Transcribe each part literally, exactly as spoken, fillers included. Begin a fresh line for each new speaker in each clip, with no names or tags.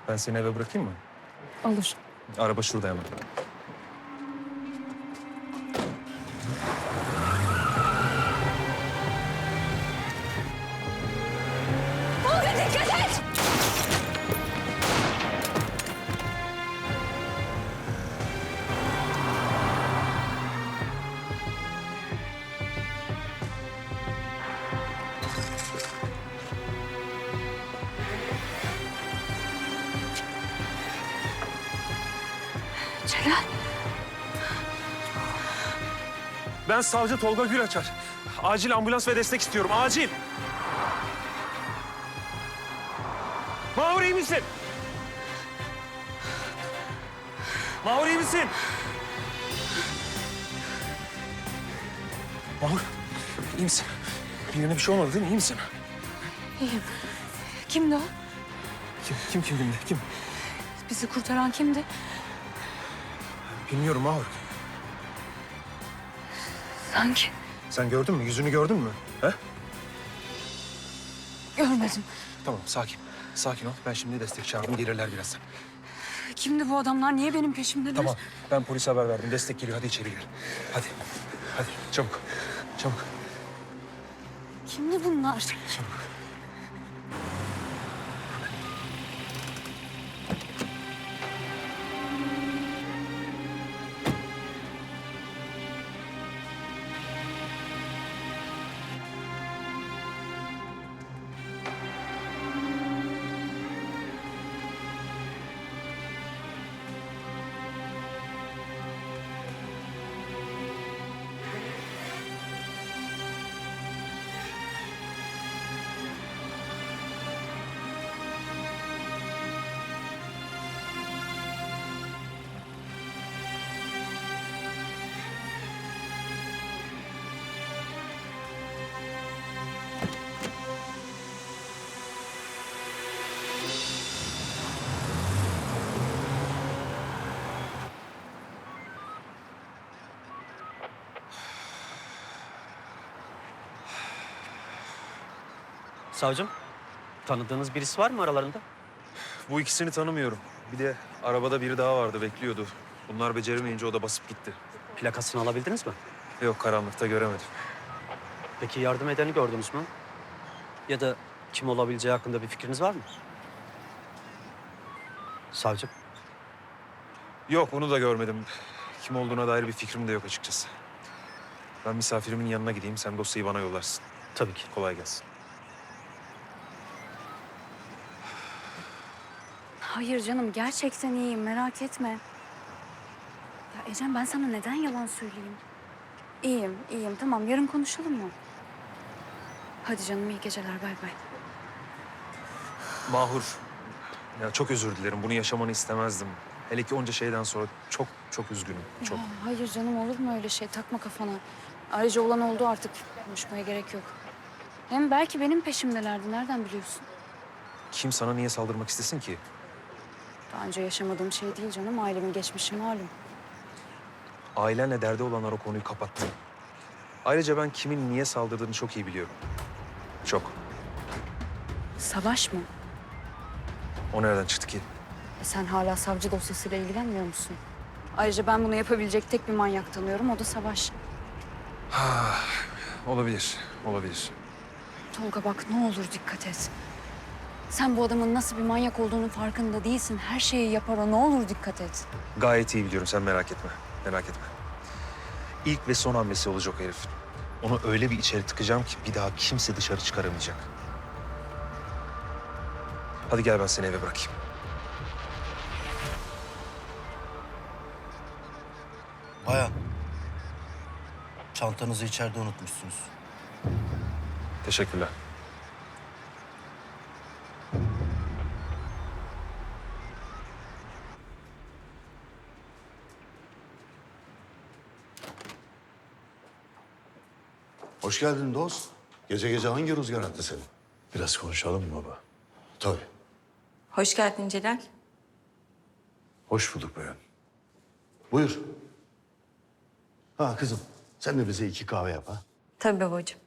Ben seni eve bırakayım mı?
Olur.
Araba şurada hemen.
Tolga dikkat et! Celal.
Ben savcı Tolga Gülaçar. Acil ambulans ve destek istiyorum. Acil. Mahur iyi misin? Mahur iyi misin? Mahur iyi misin? Birine bir şey olmadı değil mi? İyi misin?
İyiyim. Kimdi o?
Kim kim kim kimdi? Kim?
Bizi kurtaran kimdi?
Bilmiyorum Mahur.
Sanki
Sen gördün mü? Yüzünü gördün mü? He?
görmedim.
Tamam sakin. Sakin ol. Ben şimdi destek çağırdım. Gelirler birazdan.
Kimdi bu adamlar? Niye benim peşimdeler?
Tamam. Ben polise haber verdim. Destek geliyor. Hadi içeri gir. Hadi. Hadi. Çabuk. Çabuk.
Kimdi bunlar?
Çabuk.
Savcım, tanıdığınız birisi var mı aralarında?
Bu ikisini tanımıyorum. Bir de arabada biri daha vardı. Bekliyordu. Bunlar beceremeyince o da basıp gitti.
Plakasını alabildiniz mi?
Yok karanlıkta göremedim.
Peki yardım edeni gördünüz mü? Ya da kim olabileceği hakkında bir fikriniz var mı? Savcım,
Yok onu da görmedim. Kim olduğuna dair bir fikrim de yok açıkçası. Ben misafirimin yanına gideyim. Sen dosyayı bana yollarsın.
tabii ki.
Kolay gelsin.
Hayır canım, gerçekten iyiyim. Merak etme. Ya Ecem, ben sana neden yalan söyleyeyim? İyiyim, iyiyim. Tamam, yarın konuşalım mı? Hadi canım, iyi geceler. Bay bay.
Mahur. Ya çok özür dilerim. Bunu yaşamanı istemezdim. Hele ki onca şeyden sonra çok çok üzgünüm. Çok.
Ya, hayır canım, olur mu öyle şey? Takma kafana. Ayrıca olan oldu artık. Konuşmaya gerek yok. Hem belki benim peşimdelerdi. Nereden biliyorsun?
Kim sana niye saldırmak istesin ki?
Daha önce yaşamadığım şey değil canım. Ailemin geçmişi malum.
Ailenle derdi olanlar o konuyu kapattı. Ayrıca ben kimin niye saldırdığını çok iyi biliyorum. Çok.
Savaş mı?
O nereden çıktı ki?
E sen hala savcı dosyasıyla ilgilenmiyor musun? Ayrıca ben bunu yapabilecek tek bir manyak tanıyorum. O da Savaş.
Olabilir, olabilir.
Tolga bak, ne olur dikkat et. Sen bu adamın nasıl bir manyak olduğunun farkında değilsin. Her şeyi yapar o. Ne olur dikkat et.
Gayet iyi biliyorum. Sen merak etme. Merak etme. İlk ve son hamlesi olacak o herif. Onu öyle bir içeri tıkacağım ki bir daha kimse dışarı çıkaramayacak. Hadi gel ben seni eve bırakayım.
Bayan, çantanızı içeride unutmuşsunuz.
Teşekkürler.
Hoş geldin dost. Gece gece hangi rüzgar attı seni?
Biraz konuşalım mı baba?
Tabii.
Hoş geldin Celal.
Hoş bulduk bayan.
Buyur. Ha kızım, sen de bize iki kahve yap ha.
Tabii babacığım.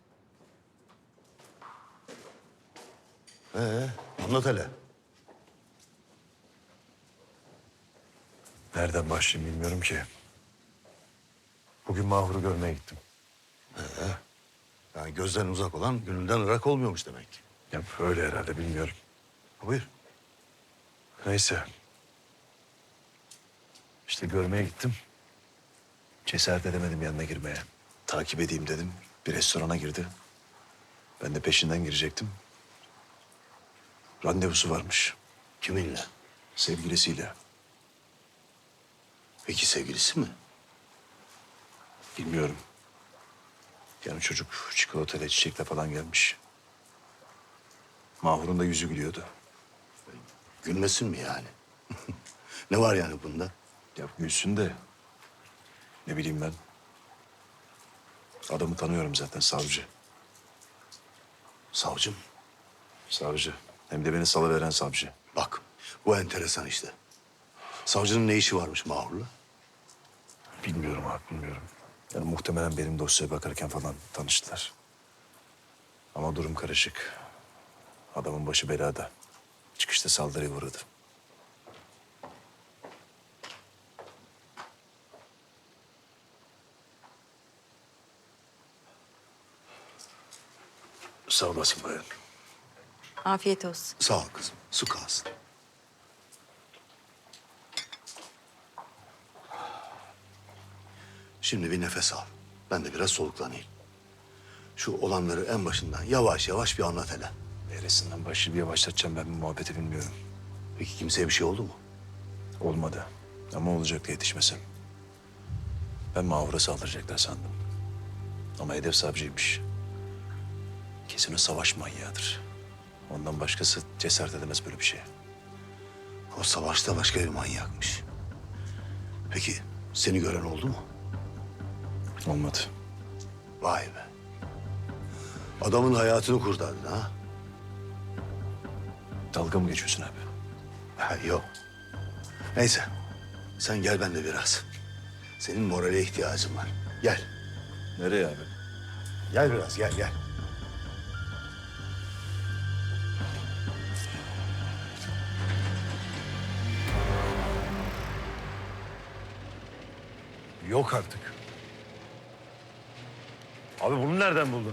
Ee, anlat hele.
Nereden başlayayım bilmiyorum ki. Bugün Mahur'u görmeye gittim.
Yani gözden uzak olan gönülden ırak olmuyormuş demek ki.
Ya öyle herhalde bilmiyorum.
Buyur.
Neyse. İşte görmeye gittim. Cesaret edemedim yanına girmeye. Takip edeyim dedim. Bir restorana girdi. Ben de peşinden girecektim. Randevusu varmış.
Kiminle?
Sevgilisiyle.
Peki sevgilisi mi?
Bilmiyorum. Yani çocuk çikolatayla çiçekle falan gelmiş. Mahur'un da yüzü gülüyordu.
Gülmesin mi yani? Ne var yani bunda?
Ya gülsün de ne bileyim ben. Adamı tanıyorum zaten, savcı.
Savcım.
Savcı. Hem de beni salıveren savcı.
Bak bu enteresan işte. Savcının ne işi varmış Mahur'la?
Bilmiyorum abi, bilmiyorum. Yani muhtemelen benim dosyaya bakarken falan tanıştılar. Ama durum karışık. Adamın başı belada. Çıkışta saldırıya uğradı. Sağ olasın bayan.
Afiyet olsun.
Sağ ol kızım. Su kalsın. Şimdi bir nefes al. Ben de biraz soluklanayım. Şu olanları en başından yavaş yavaş bir anlat hele.
Neresinden başlayıp yavaşlatacağım ben bu muhabbeti bilmiyorum.
Peki kimseye bir şey oldu mu?
Olmadı. Ama olacaktı yetişmesem. Ben Mahur'a saldıracaklar sandım. Ama hedef savcıymış. Kesin o savaş manyağıdır. Ondan başkası cesaret edemez böyle bir şeye.
O savaşta başka bir manyakmış. Peki seni gören oldu mu?
Olmadı.
Vay be. Adamın hayatını kurtardın ha?
Dalga mı geçiyorsun abi?
Ha, yok. Neyse. Sen gel ben de biraz. Senin morale ihtiyacın var. Gel.
Nereye abi?
Gel biraz gel gel.
Yok artık. Abi bunu nereden buldun?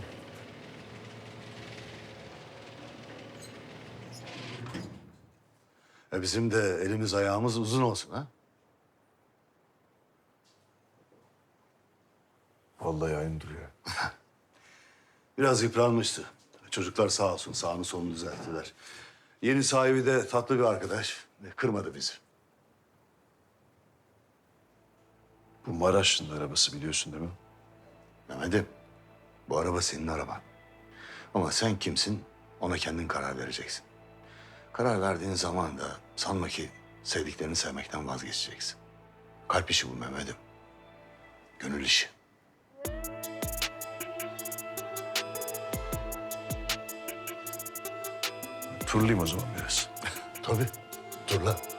E bizim de elimiz ayağımız uzun olsun ha?
Vallahi aynı duruyor.
Biraz yıpranmıştı. Çocuklar sağ olsun sağını solunu düzelttiler. Yeni sahibi de tatlı bir arkadaş. E, Kırmadı bizi.
Bu Maraşlı'nın arabası biliyorsun değil mi?
Mehmet'im, bu araba senin araban. Ama sen kimsin ona kendin karar vereceksin. Karar verdiğin zaman da sanma ki sevdiklerini sevmekten vazgeçeceksin. Kalp işi bu Mehmet'im. Gönül işi.
Turlayayım o zaman biraz.
Tabii. Dur lan.